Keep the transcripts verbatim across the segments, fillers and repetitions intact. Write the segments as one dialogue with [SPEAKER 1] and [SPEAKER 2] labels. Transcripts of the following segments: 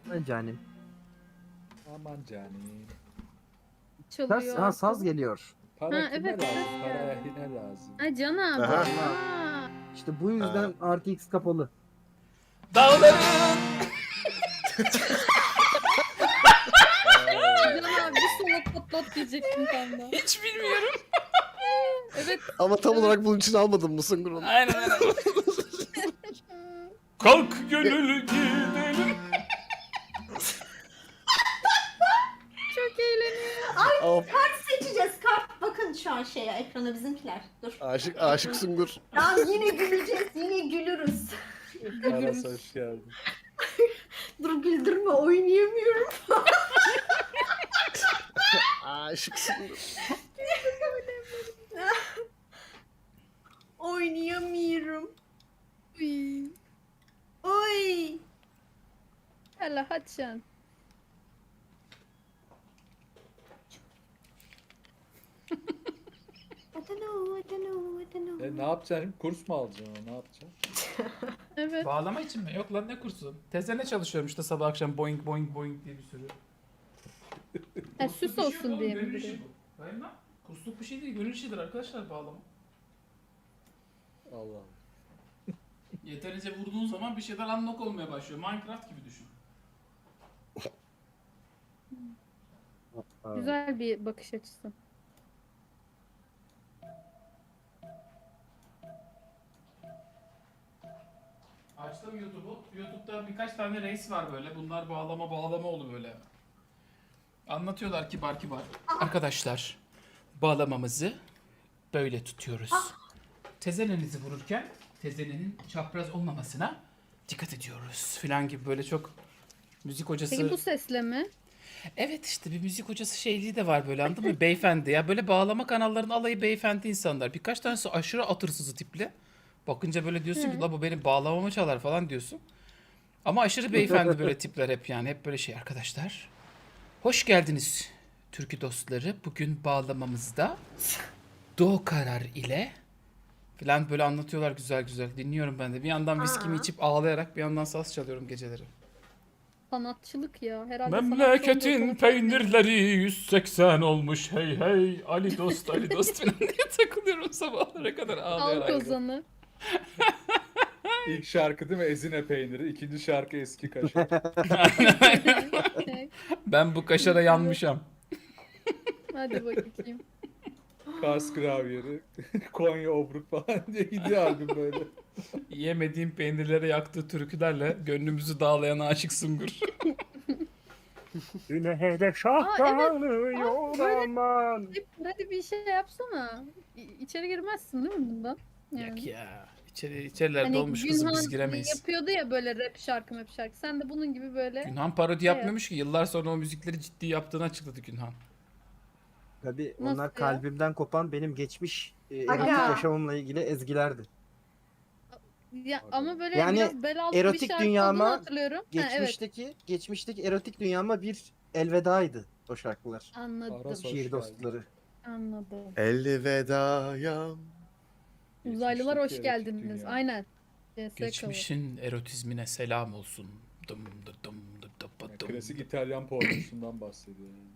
[SPEAKER 1] Aman canim.
[SPEAKER 2] Aman canım.
[SPEAKER 1] Saz,
[SPEAKER 3] Çalıyor.
[SPEAKER 1] ha, saz
[SPEAKER 3] arkada.
[SPEAKER 1] geliyor.
[SPEAKER 2] Para
[SPEAKER 3] Ha,
[SPEAKER 2] kime
[SPEAKER 3] evet,
[SPEAKER 2] lazım?
[SPEAKER 3] evet
[SPEAKER 2] Para
[SPEAKER 3] ya.
[SPEAKER 2] ehline lazım.
[SPEAKER 3] Ha Can abi.
[SPEAKER 4] Aha.
[SPEAKER 3] Aa,
[SPEAKER 1] İşte bu yüzden
[SPEAKER 4] Ha.
[SPEAKER 1] R T X kapalı.
[SPEAKER 5] Dağların
[SPEAKER 3] Can abi bir solo patlat diyecektim tam da.
[SPEAKER 5] hiç bilmiyorum.
[SPEAKER 3] Evet.
[SPEAKER 4] Ama tam olarak bunun için almadım mı Sungur onu?
[SPEAKER 5] Aynen aynen. Kalk gönül gidelim.
[SPEAKER 3] Çok eğleniyor.
[SPEAKER 4] Of,
[SPEAKER 6] Seçeceğiz kart. Bakın şu an şeye ekrana bizimkiler. Dur.
[SPEAKER 4] aşık aşık Sungur.
[SPEAKER 6] Ya yine güleceğiz. Yine gülürüz.
[SPEAKER 2] Aras hoş geldin.
[SPEAKER 6] Dur güldürme oynayamıyorum.
[SPEAKER 4] Aşık Sungur.
[SPEAKER 6] Oynayamıyorum.
[SPEAKER 3] Uy.
[SPEAKER 6] Oy.
[SPEAKER 3] Hala hadi sen.
[SPEAKER 6] I don't know, I don't know, I don't know.
[SPEAKER 2] E, ne yapacaksın? Kurs mu alacaksın? Ne yapacaksın?
[SPEAKER 3] Evet.
[SPEAKER 5] Bağlama için mi? Yok lan ne kursu? Tezene çalışıyorum işte sabah akşam boing boing boing diye bir sürü.
[SPEAKER 3] Ha, süs olsun diye mi
[SPEAKER 5] Gönül
[SPEAKER 3] duruyor?
[SPEAKER 5] işi bu. Hayır lan. Kursluk bir şey değil. Gönül işidir arkadaşlar bağlama.
[SPEAKER 2] Allah Allah.
[SPEAKER 5] Yeterince vurduğun zaman bir şeyler unlock olmaya başlıyor. Minecraft gibi düşün.
[SPEAKER 3] Güzel bir bakış açısı.
[SPEAKER 5] Açtım YouTube'u. YouTube'da birkaç tane reis var böyle. Bunlar bağlama bağlama oldu böyle. Anlatıyorlar kibar kibar. Arkadaşlar bağlamamızı böyle tutuyoruz. Tezenenizi vururken tezenenin çapraz olmamasına dikkat ediyoruz filan gibi böyle çok müzik hocası.
[SPEAKER 3] Peki bu sesle mi?
[SPEAKER 5] Evet işte bir müzik hocası şeyliği de var böyle anladın mı? Beyefendi ya böyle bağlama kanallarının alayı beyefendi insanlar. Birkaç tanesi aşırı atırsızı tipli. Bakınca böyle diyorsun ki la bu benim bağlamamı çalar falan diyorsun. Ama aşırı beyefendi böyle tipler hep yani hep böyle şey arkadaşlar. Hoş geldiniz türkü dostları. Bugün bağlamamızda do karar ile falan böyle anlatıyorlar güzel güzel. Dinliyorum ben de. Bir yandan viskimi
[SPEAKER 6] Aa.
[SPEAKER 5] içip ağlayarak bir yandan saz çalıyorum geceleri.
[SPEAKER 3] Sanatçılık ya. Herhalde sanatçı olduğu
[SPEAKER 5] Memleketin
[SPEAKER 3] konu-
[SPEAKER 5] peynirleri yüz seksen olmuş hey hey Ali dost Ali dost falan diye takılıyorum sabahlara kadar
[SPEAKER 3] Al
[SPEAKER 5] ağlayarak.
[SPEAKER 3] kozanı.
[SPEAKER 2] İlk şarkı değil mi? Ezine peyniri. İkinci şarkı eski kaşar.
[SPEAKER 5] Ben bu kaşara yanmışam.
[SPEAKER 3] Hadi bakayım.
[SPEAKER 2] Kars gravyeri. Konya obruk falan diye gidiyor albüm böyle.
[SPEAKER 5] Yemediğim peynirlere yaktığı türkülerle gönlümüzü dağlayan aşık Sungur.
[SPEAKER 1] Yine hedef
[SPEAKER 3] Aa,
[SPEAKER 1] şahlanıyor
[SPEAKER 3] böyle-
[SPEAKER 1] aman.
[SPEAKER 3] Hadi bir şey yapsana. İ- İçeri girmezsin değil mi bundan? Yani.
[SPEAKER 5] Yak ya. İçeri, içerilerde
[SPEAKER 3] Hani
[SPEAKER 5] olmuş kızım biz
[SPEAKER 3] Günhan
[SPEAKER 5] giremeyiz.
[SPEAKER 3] yapıyordu ya böyle rap şarkı rap şarkı. Sen de bunun gibi böyle.
[SPEAKER 5] Günhan parodi yapmıyormuş ki. Yıllar sonra o müzikleri ciddi yaptığını açıkladı Günhan.
[SPEAKER 1] Tabii
[SPEAKER 3] Nasıl
[SPEAKER 1] onlar
[SPEAKER 3] ya?
[SPEAKER 1] kalbimden kopan benim geçmiş e, erotik
[SPEAKER 6] Aga.
[SPEAKER 1] yaşamımla ilgili ezgilerdi.
[SPEAKER 3] Ya, ama böyle
[SPEAKER 1] Yani
[SPEAKER 3] biraz bel altı
[SPEAKER 1] erotik
[SPEAKER 3] bir şarkı
[SPEAKER 1] dünyama
[SPEAKER 3] olduğunu hatırlıyorum. Ha, evet
[SPEAKER 1] Geçmişteki geçmişteki erotik dünyama bir elvedaydı o şarkılar.
[SPEAKER 3] anladım.
[SPEAKER 2] Aras hoş
[SPEAKER 1] Şiir
[SPEAKER 2] geldin.
[SPEAKER 1] dostları.
[SPEAKER 3] Anladım.
[SPEAKER 4] Elvedaya.
[SPEAKER 3] Uzaylılar hoş
[SPEAKER 2] Geçmişteki erotik
[SPEAKER 3] geldiniz.
[SPEAKER 2] dünya.
[SPEAKER 3] Aynen. C S cover.
[SPEAKER 5] Geçmişin erotizmine selam olsun. Dım dı dım dı dı dı
[SPEAKER 2] Yani
[SPEAKER 5] dım.
[SPEAKER 2] klasik İtalyan pornosundan bahsediyor yani.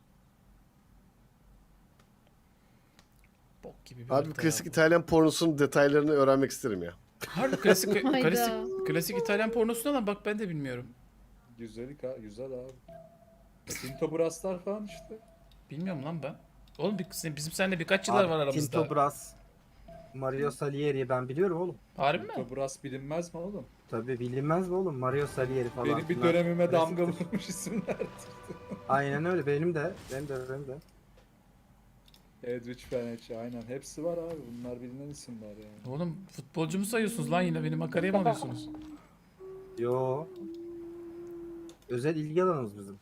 [SPEAKER 5] Bok gibi bir
[SPEAKER 4] Abi
[SPEAKER 5] harita
[SPEAKER 4] klasik
[SPEAKER 5] ya bu.
[SPEAKER 4] İtalyan pornosunun detaylarını öğrenmek isterim ya.
[SPEAKER 5] Harbi klasik,
[SPEAKER 3] Hayda.
[SPEAKER 5] klasik, klasik İtalyan pornosuna lan bak ben de bilmiyorum.
[SPEAKER 2] Güzellik ha, güzel abi. Tinto Brass'lar falan işte.
[SPEAKER 5] Bilmiyorum lan ben. Oğlum bir- bizim seninle birkaç yıllar
[SPEAKER 1] Abi,
[SPEAKER 5] var aramızda.
[SPEAKER 1] Tinto Brass, Mario Salieri ben biliyorum oğlum.
[SPEAKER 5] Harbi mi?
[SPEAKER 2] Tinto Brass bilinmez mi oğlum?
[SPEAKER 1] Tabii bilinmez mi oğlum? Mario Salieri falan.
[SPEAKER 2] Benim bir
[SPEAKER 1] Bunlar
[SPEAKER 2] dönemime damga
[SPEAKER 1] klasiktir.
[SPEAKER 2] vurmuş isimler.
[SPEAKER 1] Aynen öyle benim de. Benim de benim de.
[SPEAKER 2] Edwidge Fenech aynen. Hepsi var abi. Bunlar bilinen isimler yani.
[SPEAKER 5] Oğlum futbolcu mu sayıyorsunuz lan yine? Beni makaraya mı alıyorsunuz?
[SPEAKER 1] Yo. Özel ilgi alanımız bizim.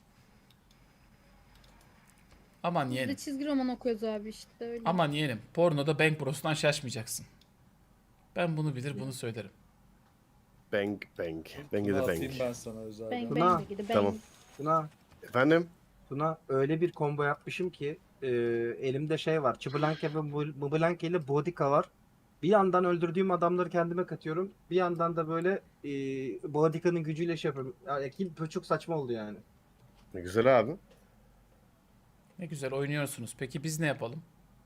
[SPEAKER 5] Aman
[SPEAKER 3] Biz de
[SPEAKER 5] yeğenim.
[SPEAKER 3] çizgi roman okuyoruz abi işte öyle.
[SPEAKER 5] Aman yeğenim. Pornoda Bank Bros'tan şaşmayacaksın. Ben bunu bilir bunu söylerim.
[SPEAKER 4] Bang bang. Bang'i
[SPEAKER 2] Bunu
[SPEAKER 4] de
[SPEAKER 2] atayım
[SPEAKER 4] bang.
[SPEAKER 2] ben sana özel.
[SPEAKER 3] Bang
[SPEAKER 1] Tuna.
[SPEAKER 3] bang de gidi bang.
[SPEAKER 4] Tamam.
[SPEAKER 1] Tuna,
[SPEAKER 4] Efendim?
[SPEAKER 1] Tuna öyle bir combo yapmışım ki e, elimde şey var. Çiblanke ve Mblanke ile Bodica var. Bir yandan öldürdüğüm adamları kendime katıyorum. Bir yandan da böyle e, Boadica'nın gücüyle şey yapıyorum. Yani kill çok saçma oldu yani.
[SPEAKER 4] Ne güzel abi.
[SPEAKER 5] Ne güzel oynuyorsunuz. Peki biz ne yapalım?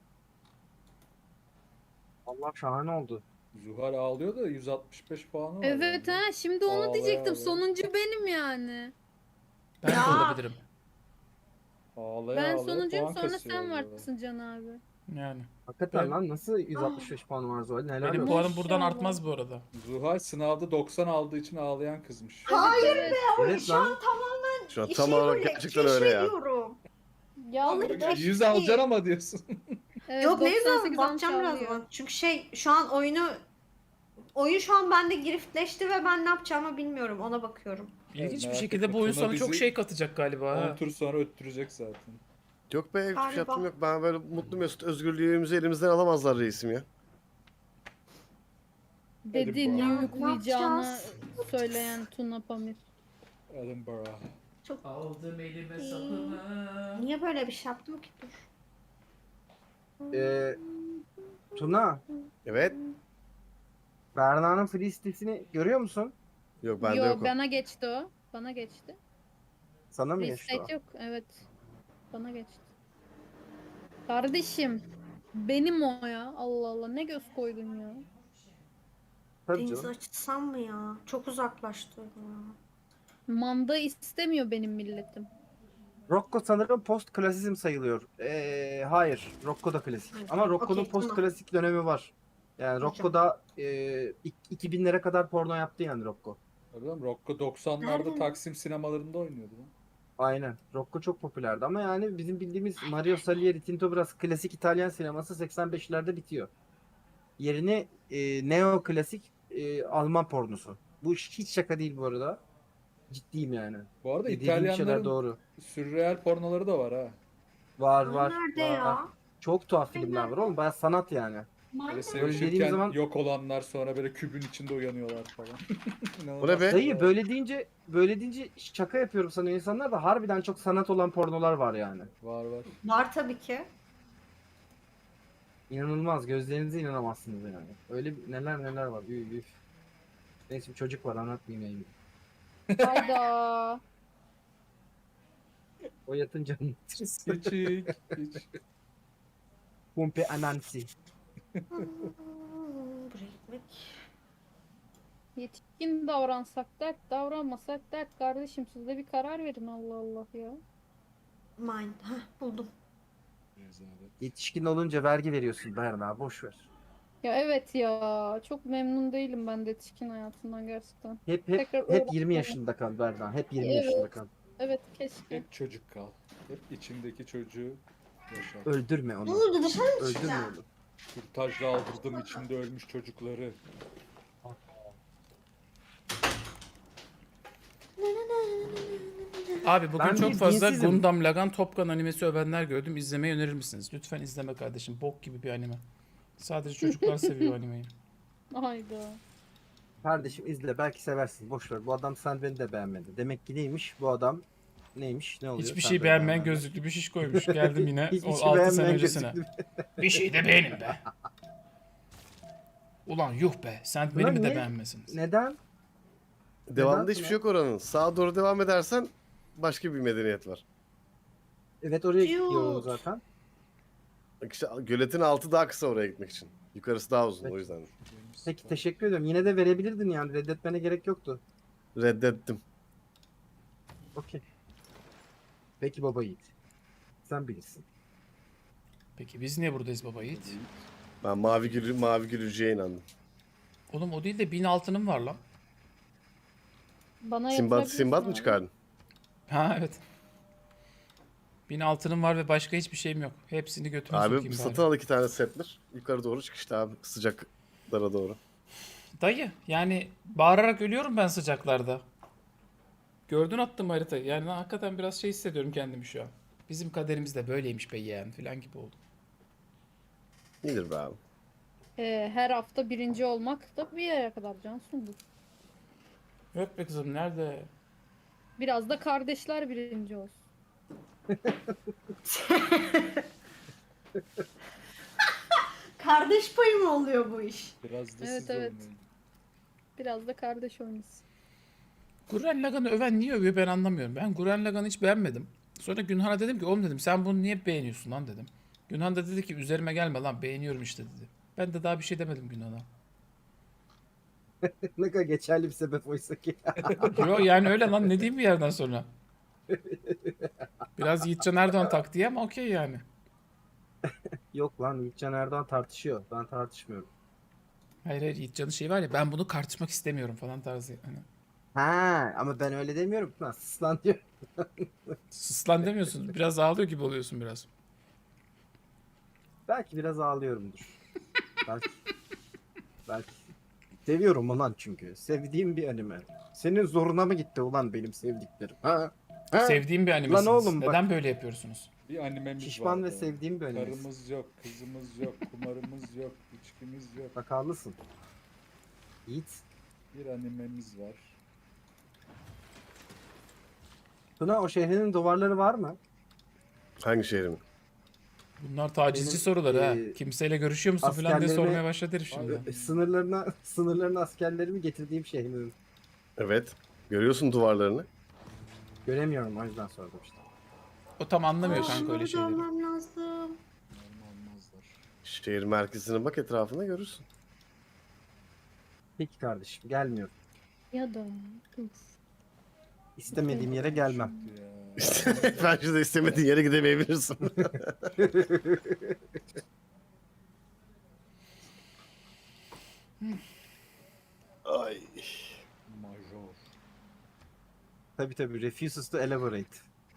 [SPEAKER 1] Allah şahane oldu.
[SPEAKER 2] Zuhal ağlıyor da yüz altmış beş puanı var.
[SPEAKER 3] Evet
[SPEAKER 2] yani.
[SPEAKER 3] ha şimdi onu
[SPEAKER 2] Ağlaya
[SPEAKER 3] diyecektim.
[SPEAKER 2] ağlaya.
[SPEAKER 3] Sonuncu benim yani.
[SPEAKER 5] Ben de
[SPEAKER 6] Ya.
[SPEAKER 5] olabilirim.
[SPEAKER 2] Ağlaya
[SPEAKER 3] Ben
[SPEAKER 2] ağlaya
[SPEAKER 3] sonuncuyum
[SPEAKER 2] puan
[SPEAKER 3] sonra
[SPEAKER 2] kasıyor
[SPEAKER 3] sen
[SPEAKER 2] böyle.
[SPEAKER 3] varsın Can abi.
[SPEAKER 5] Yani.
[SPEAKER 1] Hakikaten
[SPEAKER 5] Ben-
[SPEAKER 1] lan nasıl yüz altmış beş puanı var Zuhal? Neler
[SPEAKER 5] Benim
[SPEAKER 1] yok.
[SPEAKER 5] puanım buradan
[SPEAKER 3] Maşallah.
[SPEAKER 5] artmaz bu arada.
[SPEAKER 2] Zuhal sınavda doksan aldığı için ağlayan kızmış.
[SPEAKER 6] Hayır
[SPEAKER 3] Evet.
[SPEAKER 1] Evet
[SPEAKER 6] Şu an
[SPEAKER 1] lan.
[SPEAKER 6] tamamen
[SPEAKER 4] Şu an
[SPEAKER 6] şey
[SPEAKER 4] tam olarak
[SPEAKER 6] böyle
[SPEAKER 4] gerçekten öyle ya.
[SPEAKER 6] keşfediyorum.
[SPEAKER 3] Ya
[SPEAKER 6] Vallahi
[SPEAKER 3] evet,
[SPEAKER 2] yüz alacaksın ama diyorsun.
[SPEAKER 6] Yok ne
[SPEAKER 3] doksan
[SPEAKER 6] zaman
[SPEAKER 3] sekiz
[SPEAKER 6] bakacağım
[SPEAKER 3] almış
[SPEAKER 6] birazdan.
[SPEAKER 3] alıyor.
[SPEAKER 6] Çünkü şey şu an oyunu oyun şu an bende giriftleşti ve ben ne yapacağımı bilmiyorum. Ona bakıyorum.
[SPEAKER 5] İlginç bir
[SPEAKER 2] merak
[SPEAKER 5] şekilde
[SPEAKER 2] etme,
[SPEAKER 5] bu oyun
[SPEAKER 2] Tuna
[SPEAKER 5] sana çok
[SPEAKER 2] bizi
[SPEAKER 5] şey katacak galiba.
[SPEAKER 2] on
[SPEAKER 5] Ha.
[SPEAKER 2] tur sonra öttürecek zaten.
[SPEAKER 4] Yok be hiçbir şey
[SPEAKER 6] Galiba.
[SPEAKER 4] yaptım yok. Ben böyle mutlu mesut özgürlüğümüzü elimizden alamazlar reisim ya.
[SPEAKER 3] Dedi ne
[SPEAKER 2] bakalım.
[SPEAKER 3] uyuklayacağını
[SPEAKER 6] yapacağız?
[SPEAKER 3] söyleyen Tuna Pamir.
[SPEAKER 2] Edinburgh.
[SPEAKER 6] Çok
[SPEAKER 5] Aldım elime
[SPEAKER 6] İyi.
[SPEAKER 5] sapımı.
[SPEAKER 6] niye böyle bir şey yaptım ki? Dur.
[SPEAKER 1] Ee, Tuna,
[SPEAKER 4] Evet.
[SPEAKER 1] Berna'nın free sitesini görüyor musun?
[SPEAKER 4] Yok bende
[SPEAKER 3] Yo
[SPEAKER 4] yok o.
[SPEAKER 3] bana geçti o. Bana geçti.
[SPEAKER 1] Sana mı geçti o?
[SPEAKER 3] Reset yok. Evet. Bana geçti. Kardeşim. Benim o ya. Allah Allah ne göz koydun ya.
[SPEAKER 1] Tabii
[SPEAKER 6] Denizi
[SPEAKER 1] canım.
[SPEAKER 6] açsam mı ya? Çok uzaklaştı ya.
[SPEAKER 3] Manda istemiyor benim milletim.
[SPEAKER 1] Rocco sanırım post klasizm sayılıyor. Ee, hayır, Rocco da klasik. Ama Rocco'nun
[SPEAKER 6] Okey,
[SPEAKER 1] post
[SPEAKER 6] tamam.
[SPEAKER 1] klasik dönemi var. Yani
[SPEAKER 6] Hocam.
[SPEAKER 1] Rocco'da e, ik- iki binlere kadar porno yaptı yani Rocco.
[SPEAKER 2] Öyle mi? Rocco doksanlarda
[SPEAKER 6] Nerede?
[SPEAKER 2] Taksim sinemalarında oynuyordu lan.
[SPEAKER 1] Aynen. Rocco çok popülerdi ama yani bizim bildiğimiz Mario Salieri, Tinto Brass klasik İtalyan sineması seksen beşlerde bitiyor. Yerine e, neo klasik e, Alman pornosu. Bu iş hiç şaka değil bu arada. Ciddiyim yani.
[SPEAKER 2] Bu arada
[SPEAKER 1] Dediğim şeyler
[SPEAKER 2] İtalyanların
[SPEAKER 1] doğru.
[SPEAKER 2] sürreal pornoları da var ha.
[SPEAKER 1] Var
[SPEAKER 6] Ay,
[SPEAKER 1] var.
[SPEAKER 6] nerede
[SPEAKER 1] var.
[SPEAKER 6] ya?
[SPEAKER 1] Çok tuhaf filmler var oğlum. Baya sanat yani.
[SPEAKER 2] Böyle
[SPEAKER 1] Böyle
[SPEAKER 2] sevişirken
[SPEAKER 1] dediğim zaman-
[SPEAKER 2] yok olanlar sonra böyle kübün içinde uyanıyorlar falan.
[SPEAKER 4] Bu ne be?
[SPEAKER 1] Dayı böyle deyince böyle deyince şaka yapıyorum sana insanlar da harbiden çok sanat olan pornolar var yani.
[SPEAKER 2] Var var.
[SPEAKER 6] Var tabii ki.
[SPEAKER 1] İnanılmaz. Gözlerinize inanamazsınız yani. Öyle bir- neler neler var. Üf, üf. Neyse bir çocuk var anlatmayayım.
[SPEAKER 3] Hayda.
[SPEAKER 1] O yatınca
[SPEAKER 2] Küçük. Hiç.
[SPEAKER 1] Pompe anansi.
[SPEAKER 6] Hmm, buraya gitmek.
[SPEAKER 3] Yetişkin davransak dert, davranmasak dert. Kardeşim siz de bir karar verin Allah Allah ya.
[SPEAKER 6] Mind. Heh, buldum.
[SPEAKER 2] Rezalet.
[SPEAKER 1] Yetişkin olunca vergi veriyorsun Berna. Boş ver.
[SPEAKER 3] Ya evet ya. Çok memnun değilim ben de yetişkin hayatından gerçekten.
[SPEAKER 1] Hep hep
[SPEAKER 3] Tekrar
[SPEAKER 1] hep
[SPEAKER 3] öğrenmem.
[SPEAKER 1] yirmi yaşında kal Berna. Hep yirmi
[SPEAKER 3] Evet.
[SPEAKER 1] yaşında kal.
[SPEAKER 3] Evet keşke.
[SPEAKER 2] Hep çocuk kal. Hep içindeki çocuğu yaşa.
[SPEAKER 1] Öldürme
[SPEAKER 6] Ne
[SPEAKER 1] onu.
[SPEAKER 6] oldu dışarı mı
[SPEAKER 1] Öldürme
[SPEAKER 6] çıkacağım?
[SPEAKER 1] onu.
[SPEAKER 2] Kürtajla aldırdım içinde ölmüş çocukları.
[SPEAKER 5] Abi bugün
[SPEAKER 1] Ben
[SPEAKER 5] çok
[SPEAKER 1] bir
[SPEAKER 5] fazla
[SPEAKER 1] dinsizim.
[SPEAKER 5] Gundam Lagan Top Gun animesi övenler gördüm. İzlemeyi önerir misiniz? Lütfen izleme kardeşim. Bok gibi bir anime. Sadece çocuklar seviyor animeyi.
[SPEAKER 3] Hayda.
[SPEAKER 1] Kardeşim izle belki seversin. Boş ver. Bu adam sen beni de beğenmedi. Demek ki neymiş? Bu adam neymiş? Ne oluyor?
[SPEAKER 5] Hiçbir
[SPEAKER 1] Sen
[SPEAKER 5] şey
[SPEAKER 1] beni
[SPEAKER 5] beğenmeyen
[SPEAKER 1] beğenmedin.
[SPEAKER 5] gözlüklü bir şiş koymuş. Geldim yine
[SPEAKER 1] Hiçbir
[SPEAKER 5] o
[SPEAKER 1] şey
[SPEAKER 5] altı sene
[SPEAKER 1] beğenmeyen
[SPEAKER 5] öncesine.
[SPEAKER 1] gözüklü.
[SPEAKER 5] Bir şey de beğenin be. Ulan yuh be. Sen
[SPEAKER 1] Ulan
[SPEAKER 5] beni mi de
[SPEAKER 1] niye-
[SPEAKER 5] beğenmesiniz?
[SPEAKER 1] Neden?
[SPEAKER 4] Devamında
[SPEAKER 1] Neden
[SPEAKER 4] hiçbir
[SPEAKER 1] Tuna?
[SPEAKER 4] şey yok oranın. Sağa doğru devam edersen başka bir medeniyet var.
[SPEAKER 1] Evet oraya
[SPEAKER 6] Cute.
[SPEAKER 1] gidiyorum zaten.
[SPEAKER 4] Bak işte göletin altı daha kısa oraya gitmek için. Yukarısı daha uzun
[SPEAKER 1] Peki.
[SPEAKER 4] o yüzden.
[SPEAKER 1] Peki teşekkür ediyorum. Yine de verebilirdin yani. Reddetmene gerek yoktu.
[SPEAKER 4] Reddettim.
[SPEAKER 1] Okey. Peki baba yiğit. Sen bilirsin.
[SPEAKER 5] Peki biz niye buradayız baba Yiğit?
[SPEAKER 4] Ben mavi gülü mavi gülücüye inandım.
[SPEAKER 5] Oğlum o değil de bin altınım var lan.
[SPEAKER 3] Bana
[SPEAKER 4] Simbat
[SPEAKER 3] yatırabilirsin
[SPEAKER 4] Simbat mı
[SPEAKER 3] abi.
[SPEAKER 4] çıkardın?
[SPEAKER 5] Ha evet. Bin altınım var ve başka hiçbir şeyim yok. Hepsini götüme
[SPEAKER 4] Abi
[SPEAKER 5] sokayım
[SPEAKER 4] satın
[SPEAKER 5] bari.
[SPEAKER 4] al iki tane setler. Yukarı doğru çıkışta abi sıcaklara doğru.
[SPEAKER 5] Dayı yani bağırarak ölüyorum ben sıcaklarda. Gördün attım haritayı. Yani ben hakikaten biraz şey hissediyorum kendimi şu an. Bizim kaderimiz de böyleymiş be yeğen falan gibi oldu.
[SPEAKER 4] Nedir be abi?
[SPEAKER 3] Ee, her hafta birinci olmak da bir yere kadar Cansu'ndur.
[SPEAKER 5] Yok be kızım nerede?
[SPEAKER 3] Biraz da kardeşler birinci olsun.
[SPEAKER 6] Kardeş payı mı oluyor bu iş?
[SPEAKER 2] Biraz da
[SPEAKER 3] Evet,
[SPEAKER 2] siz
[SPEAKER 3] evet.
[SPEAKER 2] oynayın.
[SPEAKER 3] Biraz da kardeş oynasın.
[SPEAKER 5] Gurren Lagan'ı öven niye övüyor ben anlamıyorum. Ben Gurren Lagan'ı hiç beğenmedim. Sonra Günhan'a dedim ki oğlum dedim sen bunu niye beğeniyorsun lan dedim. Günhan da dedi ki üzerime gelme lan beğeniyorum işte dedi. Ben de daha bir şey demedim Günhan'a.
[SPEAKER 1] Ne kadar geçerli bir sebep oysa ki.
[SPEAKER 5] Yo yani öyle lan ne diyeyim bir yerden sonra. Biraz Yiğitcan Erdoğan taktiği ama okey yani.
[SPEAKER 1] Yok lan Yiğitcan Erdoğan tartışıyor. Ben tartışmıyorum.
[SPEAKER 5] Hayır hayır Yiğitcan'ın şeyi var ya ben bunu tartışmak istemiyorum falan tarzı. Hani,
[SPEAKER 1] Ha ama ben öyle demiyorum. Lan sus lan diyor.
[SPEAKER 5] sıslan demiyorsun. Biraz ağlıyor gibi oluyorsun biraz.
[SPEAKER 1] Belki biraz ağlıyorumdur. Belki. Belki. Seviyorum ulan çünkü. Sevdiğim bir anime. Senin zoruna mı gitti ulan benim sevdiklerim? Ha? Ha?
[SPEAKER 5] Sevdiğim bir animesiniz.
[SPEAKER 1] oğlum bak-
[SPEAKER 5] Neden böyle yapıyorsunuz?
[SPEAKER 2] Bir animemiz
[SPEAKER 1] Şişman ve
[SPEAKER 2] vardı.
[SPEAKER 1] sevdiğim bir anime.
[SPEAKER 2] Karımız yok, kızımız yok, kumarımız yok, içkimiz yok.
[SPEAKER 1] Bak haklısın. Yiğit.
[SPEAKER 2] Bir animemiz var.
[SPEAKER 1] Tuna o şehrinin duvarları var mı?
[SPEAKER 4] Hangi şehrin?
[SPEAKER 5] Bunlar tacizci
[SPEAKER 1] Benim,
[SPEAKER 5] soruları ha.
[SPEAKER 1] e,
[SPEAKER 5] Kimseyle görüşüyor musun falan diye
[SPEAKER 1] askerlerime-
[SPEAKER 5] sormaya başladı herif şimdi.
[SPEAKER 1] E, Sınırlarına sınırlarına askerlerimi getirdiğim şehrin.
[SPEAKER 4] Evet. Görüyorsun duvarlarını.
[SPEAKER 1] Göremiyorum o yüzden sordum işte.
[SPEAKER 5] O tam anlamıyor
[SPEAKER 6] Aa,
[SPEAKER 5] kanka öyle
[SPEAKER 6] burada
[SPEAKER 5] şeyleri.
[SPEAKER 6] olmam lazım.
[SPEAKER 2] Normal almazlar.
[SPEAKER 4] Şehir merkezine bak etrafına görürsün.
[SPEAKER 1] Peki kardeşim gelmiyorum.
[SPEAKER 3] Ya da uf.
[SPEAKER 1] İstemediğim yere gelmem.
[SPEAKER 2] Şimdi ya.
[SPEAKER 4] Bence de istemediğin yere gidemeyebilirsin. Ay.
[SPEAKER 2] Major.
[SPEAKER 1] Tabii tabii refuses to elaborate.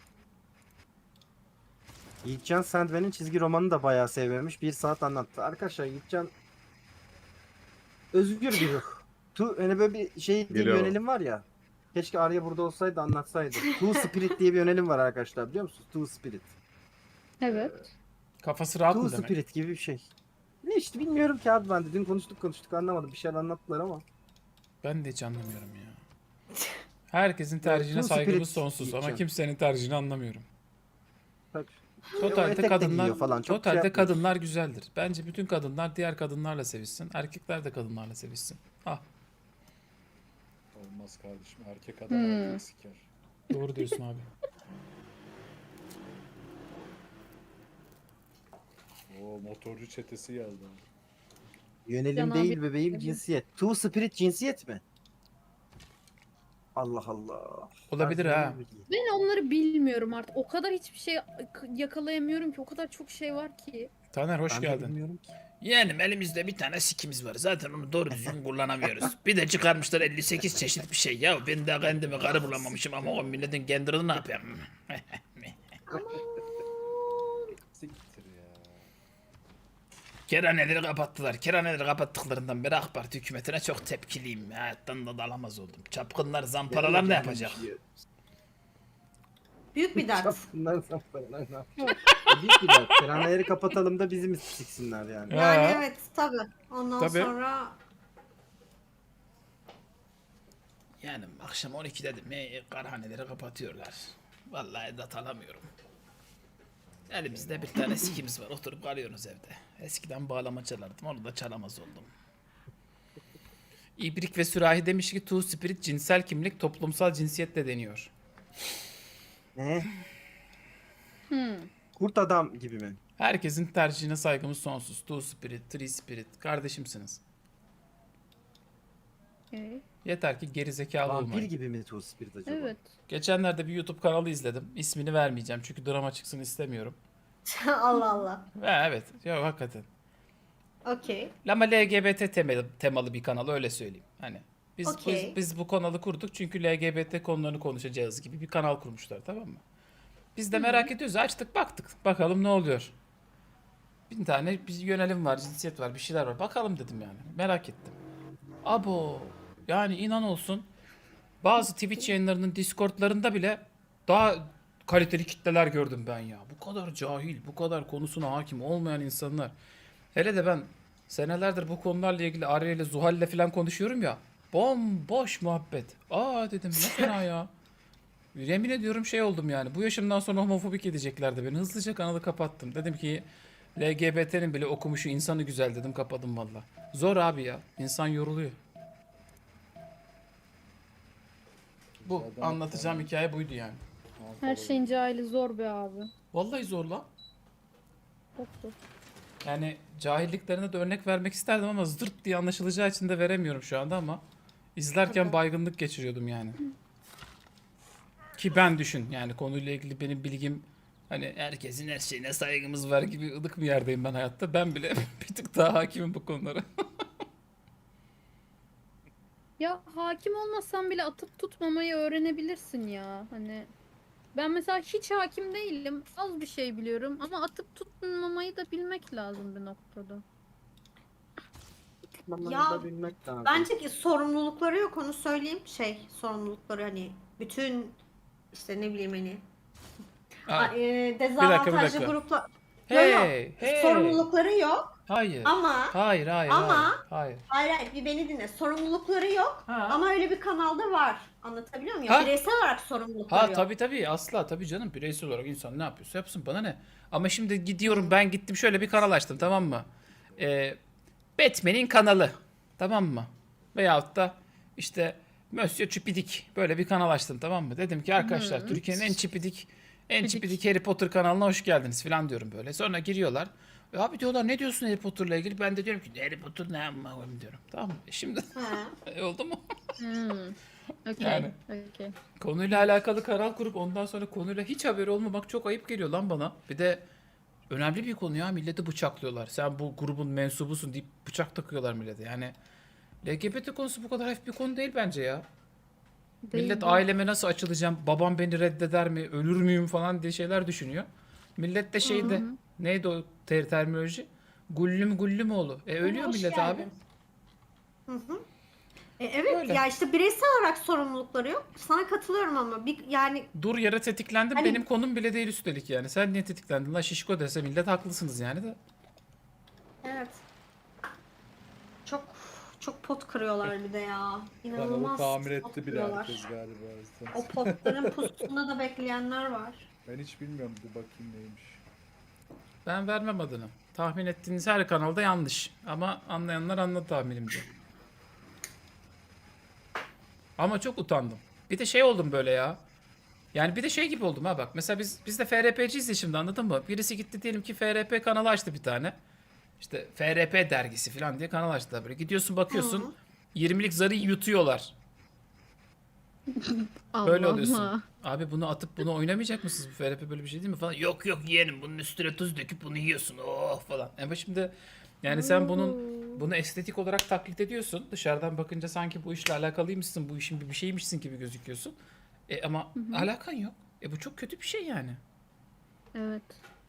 [SPEAKER 1] Yiğitcan Sandman'in çizgi romanını da bayağı sevmemiş. Bir saat anlattı. Arkadaşlar Yiğitcan özgür bir ruh. Tu, hani böyle bir şey diye bir
[SPEAKER 4] Biliyorum.
[SPEAKER 1] yönelim var ya. Keşke Arya burada olsaydı anlatsaydı. Two Spirit diye bir yönelim var arkadaşlar biliyor musunuz? Two Spirit.
[SPEAKER 3] Evet.
[SPEAKER 5] Kafası rahat
[SPEAKER 1] Two
[SPEAKER 5] mı demek?
[SPEAKER 1] Spirit gibi bir şey. Ne işte bilmiyorum ki abi ben de. Dün konuştuk konuştuk anlamadım. Bir şeyler anlattılar ama.
[SPEAKER 5] Ben de hiç anlamıyorum ya. Herkesin tercihine
[SPEAKER 1] Two
[SPEAKER 5] saygımız
[SPEAKER 1] Spirit
[SPEAKER 5] sonsuz ama
[SPEAKER 1] diyeceğim.
[SPEAKER 5] kimsenin tercihini anlamıyorum.
[SPEAKER 1] Tabii.
[SPEAKER 5] Totalde
[SPEAKER 1] etek de
[SPEAKER 5] kadınlar
[SPEAKER 1] giyiyor falan, çok şey
[SPEAKER 5] totalde
[SPEAKER 1] yapmıyor.
[SPEAKER 5] kadınlar güzeldir. Bence bütün kadınlar diğer kadınlarla sevişsin. Erkekler de kadınlarla sevişsin. Ah,
[SPEAKER 2] Olmaz kardeşim. Erkek adam
[SPEAKER 3] Hmm.
[SPEAKER 2] erkek siker.
[SPEAKER 5] doğru diyorsun abi.
[SPEAKER 2] Oo motorcu çetesi geldi.
[SPEAKER 1] Yönelim
[SPEAKER 3] Can
[SPEAKER 1] değil
[SPEAKER 3] abi-
[SPEAKER 1] bebeğim
[SPEAKER 3] Evet.
[SPEAKER 1] cinsiyet. Two Spirit cinsiyet mi? Allah Allah.
[SPEAKER 5] Olabilir
[SPEAKER 1] Ben
[SPEAKER 5] ha.
[SPEAKER 1] bilmiyorum.
[SPEAKER 3] Ben onları bilmiyorum artık. O kadar hiçbir şey yakalayamıyorum ki. O kadar çok şey var ki.
[SPEAKER 5] Taner hoş
[SPEAKER 1] Ben de
[SPEAKER 5] geldin.
[SPEAKER 1] bilmiyorum ki.
[SPEAKER 5] Yeğenim elimizde bir tane sikimiz var. Zaten onu doğru düzgün kullanamıyoruz. Bir de çıkarmışlar elli sekiz çeşit bir şey. Ya ben de kendimi karı bulamamışım ama o milletin kendini ne yapayım?
[SPEAKER 2] Siktir ya.
[SPEAKER 5] Kerhaneleri kapattılar. Kerhaneleri kapattıklarından beri AK Parti hükümetine çok tepkiliyim. Hayattan da dalamaz oldum. Çapkınlar, zamparalar ne yapacak?
[SPEAKER 6] Büyük bir dert.
[SPEAKER 1] Çapkınlar zamparalar ne yapacak? Büyük bir dert. Kerhaneleri kapatalım da bizi mi siksinler yani?
[SPEAKER 5] Ya.
[SPEAKER 6] Yani evet tabi. Ondan
[SPEAKER 5] Tabii.
[SPEAKER 6] sonra
[SPEAKER 5] Yani akşam on ikide de me karhaneleri kapatıyorlar. Vallahi dat alamıyorum. Elimizde bir tane sikimiz var. Oturup kalıyoruz evde. Eskiden bağlama çalardım. Onu da çalamaz oldum. İbrik ve Sürahi demiş ki Two Spirit cinsel kimlik toplumsal cinsiyetle deniyor.
[SPEAKER 1] Ne?
[SPEAKER 3] Hmm.
[SPEAKER 1] Kurt adam gibi mi?
[SPEAKER 5] Herkesin tercihine saygımız sonsuz. Two Spirit, Three Spirit. Kardeşimsiniz.
[SPEAKER 3] Okay.
[SPEAKER 5] Yeter ki geri zekalı
[SPEAKER 1] Vampir
[SPEAKER 5] olmayın.
[SPEAKER 1] gibi mi Two Spirit acaba?
[SPEAKER 3] Evet.
[SPEAKER 5] Geçenlerde bir YouTube kanalı izledim. İsmini vermeyeceğim çünkü drama çıksın istemiyorum.
[SPEAKER 6] Allah Allah.
[SPEAKER 5] Ve evet, yok hakikaten.
[SPEAKER 6] Okey.
[SPEAKER 5] Ama L G B T temalı, temalı bir kanal öyle söyleyeyim. Hani biz,
[SPEAKER 6] Okey.
[SPEAKER 5] biz biz bu kanalı kurduk çünkü L G B T konularını konuşacağız gibi bir kanal kurmuşlar, tamam mı? Biz de merak ediyoruz. Açtık baktık. Bakalım ne oluyor. Bir tane bir yönelim var, cinsiyet var, bir şeyler var. Bakalım dedim yani. Merak ettim. Abo. Yani inan olsun. Bazı Twitch yayınlarının Discord'larında bile daha kaliteli kitleler gördüm ben ya. Bu kadar cahil, bu kadar konusuna hakim olmayan insanlar. Hele de ben senelerdir bu konularla ilgili Arya ile Zuhal ile falan konuşuyorum ya. Bomboş muhabbet. Aa dedim ne fena ya. Yemin ediyorum şey oldum yani. Bu yaşımdan sonra homofobik edeceklerdi beni. Hızlıca kanalı kapattım. Dedim ki L G B T'nin bile okumuşu insanı güzel dedim, kapadım valla. Zor abi ya. İnsan yoruluyor. Bu
[SPEAKER 2] Zaten
[SPEAKER 5] anlatacağım hikaye buydu yani.
[SPEAKER 3] Her şeyin cahili zor be abi.
[SPEAKER 5] Vallahi zor lan.
[SPEAKER 3] Çok zor.
[SPEAKER 5] Yani cahilliklerine de örnek vermek isterdim ama zırt diye anlaşılacağı için de veremiyorum şu anda ama izlerken
[SPEAKER 6] Tabii.
[SPEAKER 5] baygınlık geçiriyordum yani. Ki ben düşün yani konuyla ilgili benim bilgim hani herkesin her şeyine saygımız var gibi ılık bir yerdeyim ben hayatta. Ben bile bir tık daha hakimim bu konulara.
[SPEAKER 3] Ya hakim olmasan bile atıp tutmamayı öğrenebilirsin ya. Hani ben mesela hiç hakim değilim. Az bir şey biliyorum ama atıp tutmamayı da bilmek lazım bir noktada.
[SPEAKER 1] Tutmamayı
[SPEAKER 6] Ya,
[SPEAKER 1] da bilmek lazım.
[SPEAKER 6] Bence ki sorumlulukları yok, onu söyleyeyim. Şey, sorumlulukları hani bütün işte ne bileyim hani
[SPEAKER 5] Aa,
[SPEAKER 6] a- e,
[SPEAKER 5] dakika, bir
[SPEAKER 6] dezavantajlı
[SPEAKER 5] dakika.
[SPEAKER 6] gruplar. Yo, yo,
[SPEAKER 5] hey, hey.
[SPEAKER 6] sorumlulukları yok
[SPEAKER 5] Hayır.
[SPEAKER 6] ama
[SPEAKER 5] Hayır, hayır,
[SPEAKER 6] Ama-
[SPEAKER 5] hayır. Hayır.
[SPEAKER 6] hayır hayır bir beni dinle. Sorumlulukları yok
[SPEAKER 5] Ha.
[SPEAKER 6] ama öyle bir kanalda var. Anlatabiliyor muyum?
[SPEAKER 5] Ha.
[SPEAKER 6] Ya, bireysel olarak sorumlulukları
[SPEAKER 5] Ha
[SPEAKER 6] yok.
[SPEAKER 5] tabii tabii asla tabii canım, bireysel olarak insan ne yapıyorsa yapsın, bana ne. Ama şimdi gidiyorum, ben gittim şöyle bir kanal açtım, tamam mı? Ee, Batman'in kanalı, tamam mı? Veyahut da işte Monsieur Çipidik böyle bir kanal açtım, tamam mı? Dedim ki arkadaşlar
[SPEAKER 3] Hı.
[SPEAKER 5] Türkiye'nin en çipidik en
[SPEAKER 3] Çipidik.
[SPEAKER 5] çipidik Harry Potter kanalına hoş geldiniz falan diyorum böyle. Sonra giriyorlar. E abi diyorlar ne diyorsun Harry Potter'la ilgili? Ben de diyorum ki Harry Potter ne amma koyayım diyorum. Tamam mı? E şimdi
[SPEAKER 6] Ha.
[SPEAKER 5] e, oldu mu?
[SPEAKER 3] Hmm. Okey.
[SPEAKER 5] Yani.
[SPEAKER 3] Okey.
[SPEAKER 5] Konuyla alakalı kanal kurup ondan sonra konuyla hiç haberi olmamak çok ayıp geliyor lan bana. Bir de önemli bir konu ya, milleti bıçaklıyorlar. Sen bu grubun mensubusun deyip bıçak takıyorlar millete. Yani L G B T konusu bu kadar hafif bir konu değil bence ya.
[SPEAKER 3] Değil
[SPEAKER 5] Millet
[SPEAKER 3] mi?
[SPEAKER 5] aileme nasıl açılacağım, babam beni reddeder mi, ölür müyüm falan diye şeyler düşünüyor. Millet de şeyde, neydi o ter terminoloji? Gullüm gullüm oğlu. E ölüyor
[SPEAKER 6] Hoş
[SPEAKER 5] millet
[SPEAKER 6] geldin.
[SPEAKER 5] abi.
[SPEAKER 6] Hı hı. E, evet
[SPEAKER 5] Öyle.
[SPEAKER 6] ya işte bireysel olarak sorumlulukları yok. Sana katılıyorum ama bir yani
[SPEAKER 5] Dur yere tetiklendim,
[SPEAKER 6] Hani-
[SPEAKER 5] benim konum bile değil üstelik yani. Sen niye tetiklendin lan şişko dese millet haklısınız yani de.
[SPEAKER 6] evet. Çok çok pot kırıyorlar bir de ya.
[SPEAKER 2] Kanalı
[SPEAKER 6] İnanılmaz
[SPEAKER 2] tamir
[SPEAKER 6] pot
[SPEAKER 2] etti bile
[SPEAKER 6] kırıyorlar.
[SPEAKER 2] herkes galiba.
[SPEAKER 6] O potların pusunda da bekleyenler var.
[SPEAKER 2] Ben hiç bilmiyorum, bir bakayım neymiş.
[SPEAKER 5] Ben vermem adını. Tahmin ettiğiniz her kanalda yanlış. Ama anlayanlar anladı tahminimce. Ama çok utandım. Bir de şey oldum böyle ya. Yani bir de şey gibi oldum ha bak. Mesela biz biz de F R P'ciyiz ya şimdi, anladın mı? Birisi gitti diyelim ki F R P kanalı açtı bir tane. İşte F R P dergisi falan diye kanal açtılar böyle. Gidiyorsun bakıyorsun
[SPEAKER 6] Hı.
[SPEAKER 5] yirmilik zarı yutuyorlar. Böyle
[SPEAKER 3] Allah
[SPEAKER 5] oluyorsun.
[SPEAKER 3] Allah.
[SPEAKER 5] Abi bunu atıp bunu oynamayacak mısınız? Bu F R P böyle bir şey değil mi falan. Yok yok yeğenim, bunun üstüne tuz döküp bunu yiyorsun. Oh falan. Ama şimdi yani sen bunun bunu estetik olarak taklit ediyorsun. Dışarıdan bakınca sanki bu işle alakalıymışsın. Bu işin bir bir şeymişsin gibi gözüküyorsun. E ama alakan yok. E bu çok kötü bir şey yani.
[SPEAKER 3] Evet.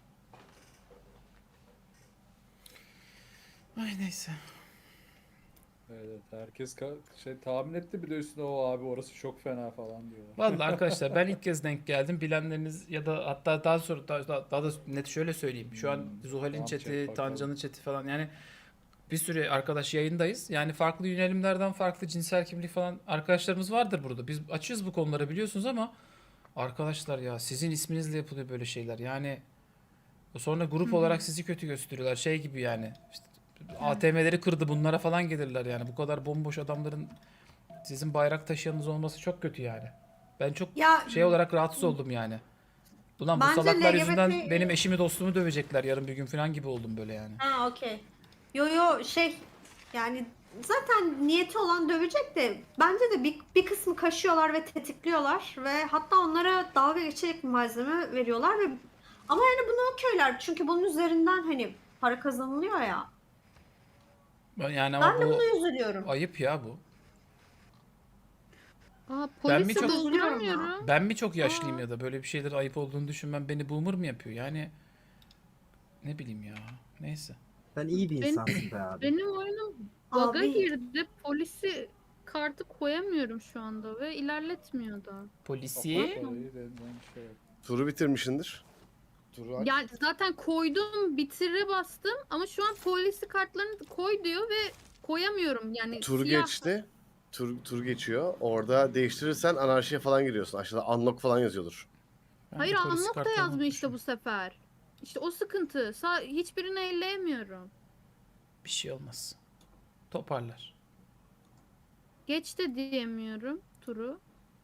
[SPEAKER 5] Ay neyse.
[SPEAKER 2] Evet, herkes ka- şey tahmin etti, bir de üstüne o abi orası çok fena falan diyorlar.
[SPEAKER 5] Vallahi arkadaşlar ben ilk kez denk geldim. Bilenleriniz ya da hatta daha sonra daha, daha, daha da net şöyle söyleyeyim. Şu an Zuhal'in
[SPEAKER 2] Tamam,
[SPEAKER 5] chat'i,
[SPEAKER 2] chat bakalım.
[SPEAKER 5] Tancan'ın chat'i falan yani bir sürü arkadaş yayındayız. Yani farklı yönelimlerden farklı cinsel kimlik falan arkadaşlarımız vardır burada. Biz açıyoruz bu konuları biliyorsunuz ama arkadaşlar ya sizin isminizle yapılıyor böyle şeyler. Yani sonra grup olarak sizi kötü gösteriyorlar. Şey gibi yani. İşte A T M'leri kırdı bunlara falan gelirler yani. Bu kadar bomboş adamların sizin bayrak taşıyanınız olması çok kötü yani. Ben çok
[SPEAKER 6] Ya
[SPEAKER 5] şey olarak rahatsız oldum yani. Ulan bu
[SPEAKER 6] Bence
[SPEAKER 5] salaklar
[SPEAKER 6] L G B T
[SPEAKER 5] yüzünden benim eşimi dostumu dövecekler yarın bir gün falan gibi oldum böyle yani.
[SPEAKER 6] ha okey. Yo yo şey yani zaten niyeti olan dövecek de bence de bir, bir kısmı kaşıyorlar ve tetikliyorlar ve hatta onlara dalga geçecek malzeme veriyorlar ve ama yani bunu okeyler çünkü bunun üzerinden hani para kazanılıyor ya.
[SPEAKER 5] Ben- Yani ama
[SPEAKER 6] Ben de
[SPEAKER 5] bu
[SPEAKER 6] buna üzülüyorum.
[SPEAKER 5] ayıp ya bu.
[SPEAKER 3] Aa,
[SPEAKER 5] Ben mi
[SPEAKER 3] polisi
[SPEAKER 5] çok-
[SPEAKER 3] bulduramıyorum.
[SPEAKER 5] Ben mi çok yaşlıyım ya da böyle bir şeyler ayıp olduğunu düşünmem beni boomer mı yapıyor? Yani ne bileyim ya. Neyse.
[SPEAKER 1] Sen iyi bir
[SPEAKER 3] Ben-
[SPEAKER 1] insansın be abi.
[SPEAKER 3] Benim oyunum bug'a
[SPEAKER 6] Abi.
[SPEAKER 3] girdi. Polisi kartı koyamıyorum şu anda ve ilerletmiyor da.
[SPEAKER 5] Polisi.
[SPEAKER 2] Parayı denilen şey yok.
[SPEAKER 4] Turu bitirmişindir. Turu aç.
[SPEAKER 3] Yani zaten koydum, bitire bastım ama şu an polisi kartlarını koy diyor ve koyamıyorum. Yani
[SPEAKER 4] Tur
[SPEAKER 3] siyah.
[SPEAKER 4] geçti. Tur, tur geçiyor. Orada değiştirirsen anarşiye falan giriyorsun. Aşağıda unlock falan yazıyordur.
[SPEAKER 5] Ben
[SPEAKER 3] Hayır,
[SPEAKER 5] de polis
[SPEAKER 3] unlock da
[SPEAKER 5] kartlarını
[SPEAKER 3] yazmıyor işte
[SPEAKER 5] unutmuşum.
[SPEAKER 3] bu sefer. İşte o sıkıntı. Sa- hiçbirini elleyemiyorum.
[SPEAKER 5] Bir şey olmaz. Toparlar.
[SPEAKER 3] Geç de diyemiyorum turu.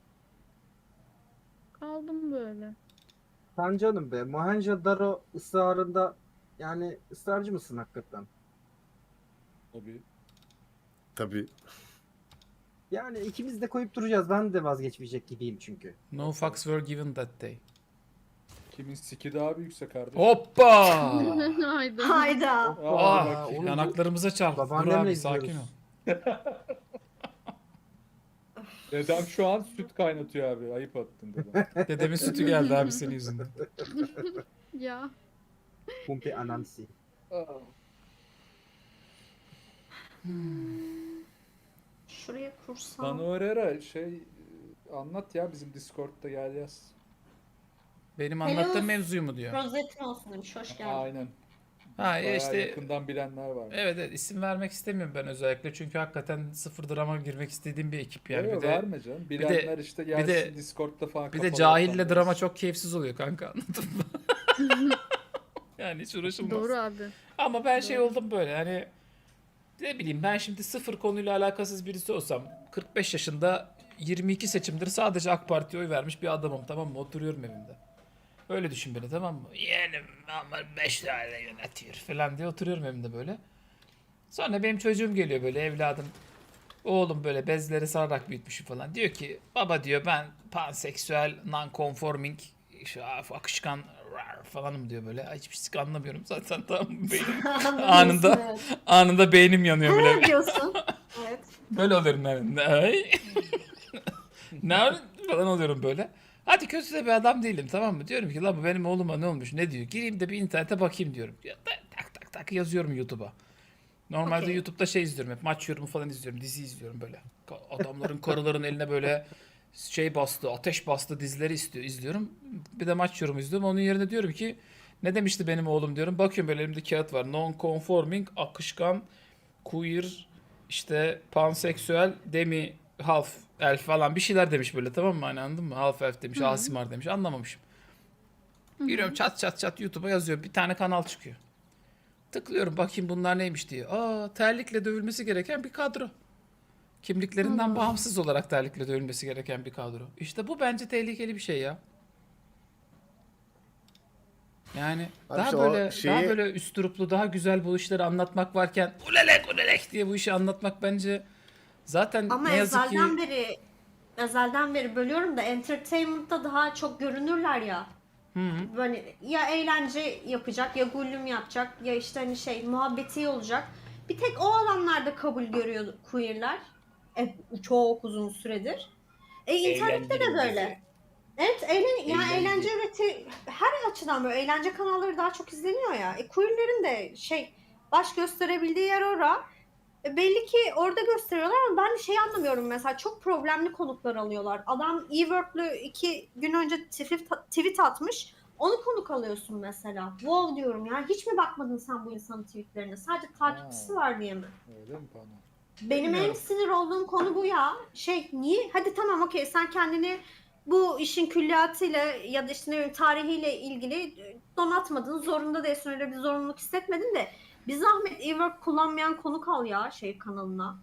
[SPEAKER 3] Kaldım böyle.
[SPEAKER 1] Sen canım be. Mohenjo-Daro ısrarında yani ısrarcı mısın hakikaten?
[SPEAKER 2] Tabii.
[SPEAKER 4] Tabii.
[SPEAKER 1] Yani ikimiz de koyup duracağız. Ben de vazgeçmeyecek gibiyim çünkü.
[SPEAKER 5] No fucks were given that day.
[SPEAKER 2] Kimin siki daha büyükse kardeşim.
[SPEAKER 5] Hoppa!
[SPEAKER 3] Haydi.
[SPEAKER 6] Hayda.
[SPEAKER 2] Aa,
[SPEAKER 5] Ah,
[SPEAKER 2] bak,
[SPEAKER 1] oğlum bu-
[SPEAKER 5] yanaklarımıza çarptı. Dur
[SPEAKER 1] Babaannemle
[SPEAKER 5] abi sakin ol.
[SPEAKER 1] izliyoruz.
[SPEAKER 2] Dedem şu an süt kaynatıyor abi. Ayıp attın dedem.
[SPEAKER 5] Dedemin sütü geldi abi senin yüzünden.
[SPEAKER 3] Ya.
[SPEAKER 1] Pumpi anansi.
[SPEAKER 6] Şuraya kursam.
[SPEAKER 2] Manu Herrera şey anlat ya bizim Discord'da gel yaz.
[SPEAKER 5] Benim
[SPEAKER 6] Hello.
[SPEAKER 5] anlattığım mevzuyu mu diyor?
[SPEAKER 6] Rozetin olsun demiş. Hoş geldin.
[SPEAKER 2] Aynen.
[SPEAKER 5] Ha
[SPEAKER 2] Bayağı
[SPEAKER 5] ya işte
[SPEAKER 2] yakından bilenler var.
[SPEAKER 5] evet, evet isim vermek istemiyorum ben özellikle çünkü hakikaten sıfır drama girmek istediğim bir ekip yani.
[SPEAKER 2] Yok,
[SPEAKER 5] bir de
[SPEAKER 2] verme canım. Bilenler işte gelsin
[SPEAKER 5] de-
[SPEAKER 2] Discord'da falan
[SPEAKER 5] bir de
[SPEAKER 2] kapalı
[SPEAKER 5] cahille
[SPEAKER 2] ortamdayız.
[SPEAKER 5] drama çok keyifsiz oluyor kanka anladın mı? Yani hiç uğraşılmaz.
[SPEAKER 3] Doğru abi.
[SPEAKER 5] Ama ben şey
[SPEAKER 3] Doğru.
[SPEAKER 5] oldum böyle hani ne bileyim ben şimdi sıfır konuyla alakasız birisi olsam kırk beş yaşında yirmi iki seçimdir sadece AK Parti'ye oy vermiş bir adamım tamam mı? Oturuyorum evimde. Öyle düşün beni tamam mı? Yeğenim ama beş tane yönetiyor falan diye oturuyorum evimde böyle. Sonra benim çocuğum geliyor böyle evladım. Oğlum böyle bezleri sararak büyütmüşüm falan. Diyor ki baba diyor ben panseksüel, non-conforming, şu akışkan rar falanım diyor böyle. Ay, hiçbir şey anlamıyorum zaten tamam mı? Beynim, anında
[SPEAKER 6] Evet.
[SPEAKER 5] anında beynim yanıyor böyle.
[SPEAKER 6] Ne diyorsun? Evet.
[SPEAKER 5] Böyle oluyorum ben. Ay. Ne falan oluyorum böyle. Hadi kötü de bir adam değilim tamam mı? Diyorum ki la bu benim oğluma ne olmuş ne diyor? Gireyim de bir internete bakayım diyorum. Ya, tak tak tak yazıyorum YouTube'a. Normalde
[SPEAKER 6] Okey.
[SPEAKER 5] YouTube'da şey izliyorum hep maç yorumu falan izliyorum. Dizi izliyorum böyle. Ka- Adamların karıların eline böyle şey bastı, ateş bastı dizileri istiyor, izliyorum. Bir de maç yorumu izliyorum. Onun yerine diyorum ki ne demişti benim oğlum diyorum. Bakıyorum böyle elimde kağıt var. Non-conforming, akışkan, queer, işte panseksüel, demi, half, elf falan bir şeyler demiş böyle tamam mı? Hani anladın mı? Half elf demiş, asimar demiş. Anlamamışım. Giriyorum çat çat çat YouTube'a yazıyorum. Bir tane kanal çıkıyor. Tıklıyorum bakayım bunlar neymiş diye. Aa terlikle dövülmesi gereken bir kadro. Kimliklerinden
[SPEAKER 6] Allah.
[SPEAKER 5] bağımsız olarak terlikle dövülmesi gereken bir kadro. İşte bu bence tehlikeli bir şey ya. Yani
[SPEAKER 4] Abi
[SPEAKER 5] daha
[SPEAKER 4] işte o
[SPEAKER 5] böyle
[SPEAKER 4] şeyi-
[SPEAKER 5] daha böyle üsturuplu, daha güzel bu işleri anlatmak varken ulelek ulelek diye bu işi anlatmak bence zaten
[SPEAKER 6] Ama
[SPEAKER 5] ne yazık ki
[SPEAKER 6] ezelden beri ezelden beri bölüyorum da entertainment'ta daha çok görünürler ya. Böyle ya eğlence yapacak ya gullüm yapacak ya işte hani şey muhabbeti olacak. Bir tek o alanlarda kabul görüyor queerler. E, çok uzun süredir. E internette de böyle. Evet, eğlen yani eğlence üreti her açıdan böyle eğlence kanalları daha çok izleniyor ya. E, queerlerin de şey baş gösterebildiği yer ora. E, belli ki orada gösteriyorlar ama ben şey anlamıyorum mesela çok problemli konuklar alıyorlar. Adam E-Word'lü iki gün önce tweet, tweet atmış. Onu konuk alıyorsun mesela. Wow diyorum ya. Hiç mi bakmadın sen bu insanın tweetlerine? Sadece takipçisi
[SPEAKER 2] Aa.
[SPEAKER 6] var diye mi?
[SPEAKER 2] Öyle mi bana?
[SPEAKER 6] Benim en
[SPEAKER 5] Bilmiyorum.
[SPEAKER 6] sinir olduğum konu bu ya. Şey niye? Hadi tamam okey sen kendini bu işin külliyatıyla ya da işte ne bileyim tarihiyle ilgili donatmadın. Zorunda değilsin öyle bir zorunluluk hissetmedin de bir zahmet e-work kullanmayan konuk al ya şey kanalına.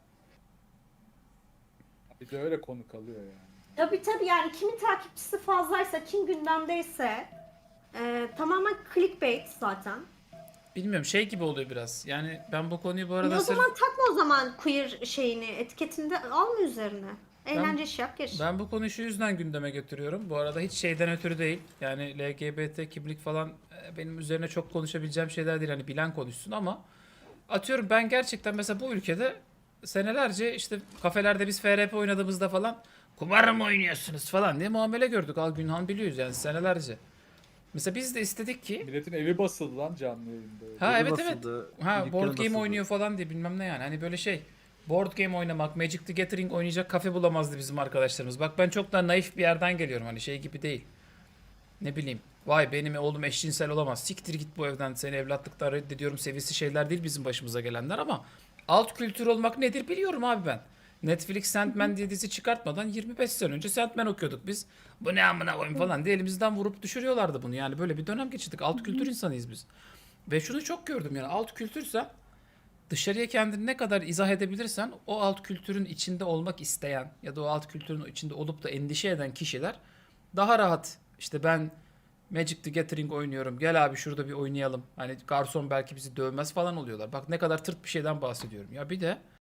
[SPEAKER 2] Bir de öyle konu kalıyor yani.
[SPEAKER 6] Tabii tabii yani kimin takipçisi fazlaysa kim gündemdeyse e, tamamen clickbait zaten.
[SPEAKER 5] bilmiyorum şey gibi oluyor biraz. Yani ben bu konuyu bu
[SPEAKER 6] E,
[SPEAKER 5] arada
[SPEAKER 6] o
[SPEAKER 5] sırf
[SPEAKER 6] zaman takma o zaman queer şeyini etiketinde alma üzerine. Eğlence iş yap geç.
[SPEAKER 5] Ben bu konuyu şu yüzden gündeme getiriyorum. Bu arada hiç şeyden ötürü değil. Yani L G B T kimlik falan e, benim üzerine çok konuşabileceğim şeyler değil. Hani bilen konuşsun ama atıyorum ben gerçekten mesela bu ülkede senelerce işte kafelerde biz F R P oynadığımızda falan kumar mı oynuyorsunuz falan diye muamele gördük. Al Günhan biliyoruz yani senelerce. Mesela biz de istedik ki
[SPEAKER 2] Milletin evi basıldı lan canlı yayında. öyle.
[SPEAKER 5] ha
[SPEAKER 1] Evi
[SPEAKER 5] evet evet.
[SPEAKER 1] basıldı,
[SPEAKER 5] Ha
[SPEAKER 1] dükkanı
[SPEAKER 5] board game
[SPEAKER 1] basıldı.
[SPEAKER 5] oynuyor falan diye bilmem ne yani. Hani böyle şey board game oynamak, Magic the Gathering oynayacak kafe bulamazdı bizim arkadaşlarımız. Bak ben çok daha naif bir yerden geliyorum hani şey gibi değil. Ne bileyim. Vay benim oğlum eşcinsel olamaz. Siktir git bu evden seni evlatlıktan reddediyorum seviyesi şeyler değil bizim başımıza gelenler ama alt kültür olmak nedir biliyorum abi ben. Netflix Sandman diye dizi çıkartmadan yirmi beş sene önce Sandman okuyorduk biz. Bu ne amına koyayım falan diye elimizden vurup düşürüyorlardı bunu. Yani böyle bir dönem geçirdik. Alt kültür insanıyız biz. Ve şunu çok gördüm yani alt kültürsen dışarıya kendini ne kadar izah edebilirsen o alt kültürün içinde olmak isteyen ya da o alt kültürün içinde olup da endişe eden kişiler daha rahat işte ben Magic the Gathering oynuyorum. Gel abi şurada bir oynayalım. Hani garson belki bizi dövmez falan oluyorlar. Bak ne kadar tırt bir şeyden bahsediyorum. Ya bir de